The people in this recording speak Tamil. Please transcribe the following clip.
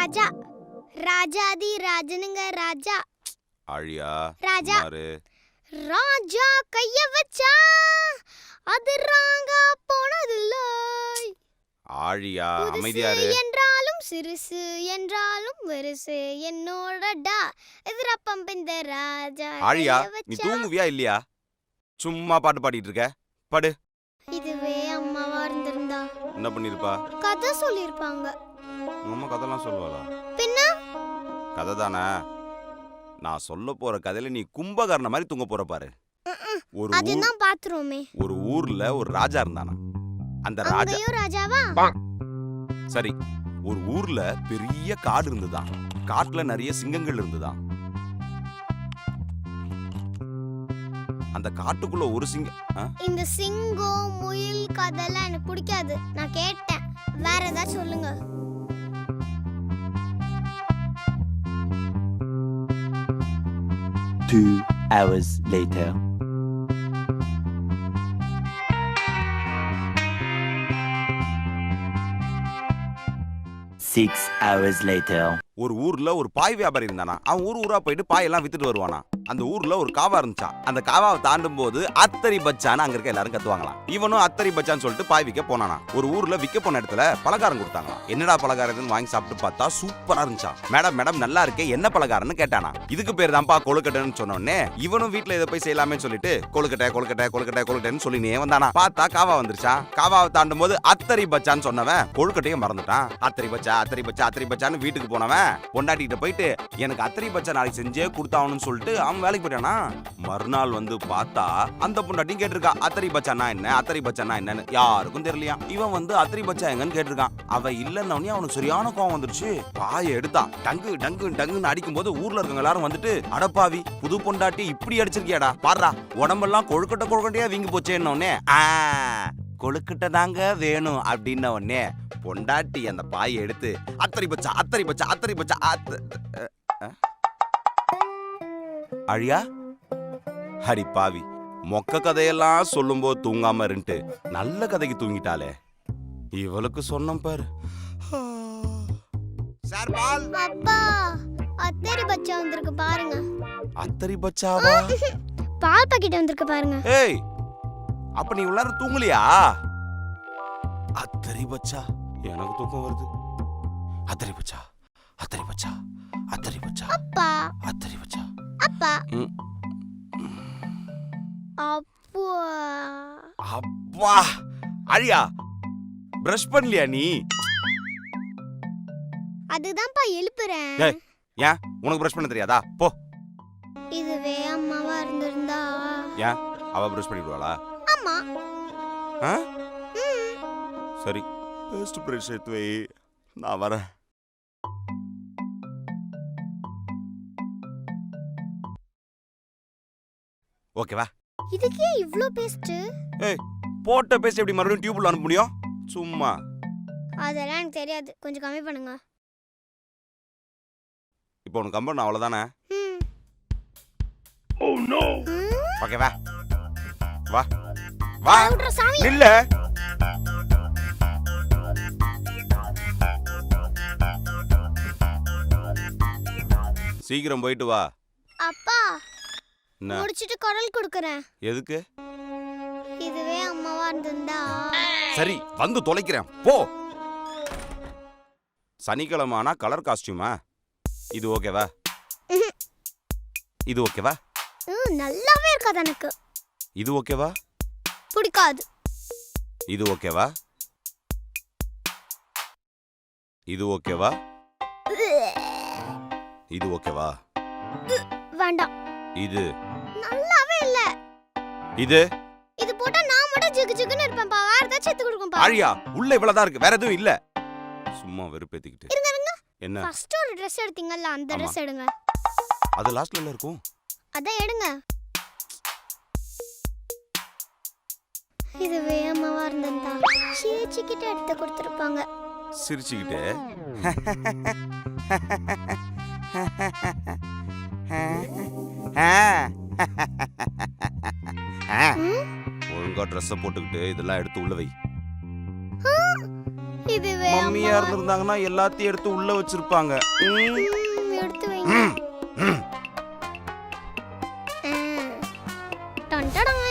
ராஜா ராஜாதி ராஜனுங்க ராஜா. ஆழியா ராஜா மாறு. ராஜா கைய வச்சா அது ராங்கா போனதில்ல. ஆழியா அமைதியாரு. என்றாலும் சிறுசு என்றாலும் வெறுசு என்னோடடா எதிரப்பம் இந்த ராஜா. ஆழியா நீ தூங்குவியா இல்லையா? சும்மா பாட்டு பாடிட்டு இருக்க. பாடு. இதுவே அம்மாவா இருந்திருந்தா என்ன பண்ணிருப்பா? கதை சொல்லிருப்பாங்க. அம்மா கதைலாம் சொல்லுவாளா? பின்ன கதை தானே. நான் சொல்ல போற கதையில நீ கும்பகர்ண மாதிரி தூங்க போற பாரு. அதுதான் பாத்துறோமே. ஒரு ஊர்ல ஒரு ராஜா இருந்தானா. அந்த ராஜாவா? சரி, ஒரு ஊர்ல பெரிய காடு இருந்துதான். காட்டுல நிறைய சிங்கங்கள் இருந்துதான். அந்த காட்டுக்குள்ள ஒரு இந்த சிங்கம் முயல் கதெல்லாம் எனக்கு பிடிக்காது. நான் கேட்டேன், வேற ஏதாவது சொல்லுங்க. Two hours later. Six hours later. ஒரு ஊர்ல ஒரு பாய் வியாபாரி இருந்தானா. அவன் ஊரா போயிட்டு பாயெல்லாம் வித்துட்டு வருவானா. அந்த ஊர்ல ஒரு காவா இருந்துச்சா. அந்த காவாவை தாண்டும் போது அத்தரி பச்சான்னு அங்க இருக்க எல்லாரும் கத்துவாங்களாம். இவனும் அத்தரி பச்சான்னு சொல்லிட்டு பாய் விற்க போனானா. ஒரு ஊர்ல விற்க போன இடத்துல பலகாரம் கொடுத்தாங்களாம். என்னடா பலகாரம்னு வாங்கி சாப்பிட்டு பார்த்தா சூப்பரா இருந்துச்சா. மேடம் மேடம் நல்லா இருக்கே, என்ன பலகாரம்னு கேட்டானா. இதுக்கு பேர் தான்ப்பா கொழுக்கட்டைன்னு சொன்னோடனே இவனும் வீட்டுல இதை போய் செய்யலாமே சொல்லிட்டு கொழுக்கட்டை கொழுக்கட்டை கொழுக்கட்டை கொழுக்கட்டைன்னு சொல்லினே வந்தானா. பார்த்தா காவா வந்துருச்சா. காவாவை தாண்டும் போது அத்தரி பச்சான்னு சொன்னவன் கொழுக்கட்டையும் மறந்துட்டான். அத்தரி பச்சா அத்தரி பச்சா அத்தரி பச்சான்னு வீட்டுக்கு போனவன் பொண்டாட்டிகிட்ட போயிட்டு எனக்கு அத்தரி பச்சா நாளைக்கு செஞ்சே கொடுத்தாவணும்னு சொல்லிட்டு அவன் வேலைக்கு போயிட்டானா. மறுநாள் வந்து பார்த்தா அந்த பொண்டாட்டியும் கேட்டிருக்கா அத்தரி பச்சானா என்ன அத்தரி பச்சானா என்னன்னு. யாருக்கும் தெரியலையா. இவன் வந்து அத்தரி பச்சா எங்கன்னு கேட்டிருக்கான். அவ இல்லன்னு அவனுக்கு சரியான கோவம் வந்துருச்சு. பாயை எடுத்தான். டங்கு டங்கு டங்குன்னு அடிக்கும் போது ஊர்ல இருக்கவங்க எல்லாரும் வந்துட்டு அடப்பாவி புது பொண்டாட்டி இப்படி அடிச்சிருக்கியாடா பாடுறா உடம்பெல்லாம் கொழுக்கட்டை கொழுக்கட்டையா வீங்கி போச்சேன்னொன்னே கொழுக்கட்டை தாங்க வேணும் அப்படின்ன உடனே பொண்டாட்டி அந்த பாயை எடுத்து அத்தரி பச்சா அத்தரி பச்சா அத்தரி பச்சா அழியா ஹரி பாவி மொக்க கதையெல்லாம் சொல்லும் போது தூங்காம இருந்துட்டு நல்ல கதைக்கு தூங்கிட்டாலே. இவளுக்கு சொன்ன பாரு. சார் பால். அப்பா அத்தரி பச்சா வந்திருக்கு பாருங்க. அத்தரி பச்சாவா? பால் பாக்கெட் வந்திருக்கு பாருங்க. ஏய் அப்ப நீ உள்ளார தூங்கலையா? அத்தரி பச்சா எனக்கு தூக்கம் வருது. அத்தரி பச்சா அத்தரி பச்சா அத்தரி பச்சா அப்பா அத்தரி பச்சா அப்பா அப்பா அப்பா. அழியா பிரஷ் பண்ணலையா நீ? அதுதான்ப்பா எழுப்புறேன். ஏன் உனக்கு பிரஷ் பண்ண தெரியாதா? போ. இதுவே அம்மாவா இருந்திருந்தா. ஏன் அவ பிரஷ் பண்ணிடுவாளா? ஆமா. சரி பேஸ்ட் பிரஷ் எடுத்து வை, நான் வரேன். ஓகேவா? இதுக்கே இவ்ளோ பேஸ்ட்? ஏய் போட்ட பேஸ்ட் எப்படி மறுபடியும் டியூப்ல அனுப்ப முடியும்? சும்மா. அதெல்லாம் எனக்கு தெரியாது, கொஞ்சம் கம்மி பண்ணுங்க. இப்போ உனக்கு கம்பன் அவ்வளவுதானே? Oh no. ஓகேவா? வா வா இல்ல சீக்கிரம் போயிட்டு வா. அப்பா முடிச்சிட்டு குரல் கொடுக்கறேன். எதுக்கு? இதுவே அம்மாவா இருந்திருந்தா. சரி வந்து தொலைக்கிறேன் போ. சனிக்கிழமைனா கலர் காஸ்டியூமா? இது ஓகேவா? இது ஓகேவா? நல்லாவே இருக்காது எனக்கு. இது ஓகேவா? பிடிக்காது. இது ஓகேவா? இது ஓகேவா? இது ஓகேவா? வேண்டாம். இது நல்லாவே இல்ல. இது இது போட்டா நான் மட்டும் ஜிகு ஜிகுன்னு இருப்பேன் பா. வேற ஏதாவது சேர்த்து கொடுங்க பா. ஆழியா உள்ள இவ்வளவுதான் இருக்கு, வேற எதுவும் இல்ல. சும்மா வெறுப்பேத்திக்கிட்டு. இருங்க இருங்க. என்ன? ஃபர்ஸ்ட் ஒரு Dress எடுத்தீங்கல்ல, அந்த Dress எடுங்க. அது லாஸ்ட்ல இருக்கும். அத எடுங்க. இதுவே அம்மாவா இருந்திருந்தா சிரிச்சுக்கிட்டு எடுத்து கொடுத்துருப்பாங்க. சிரிச்சுக்கிட்டு ஒழுங்கா ட்ரெஸ் போட்டுக்கிட்டு இதெல்லாம் எடுத்து உள்ள வை. இதுவே மம்மியா இருந்திருந்தாங்கன்னா எல்லாத்தையும் எடுத்து உள்ள வச்சிருப்பாங்க. எடுத்து வைங்க. டன்டடான்.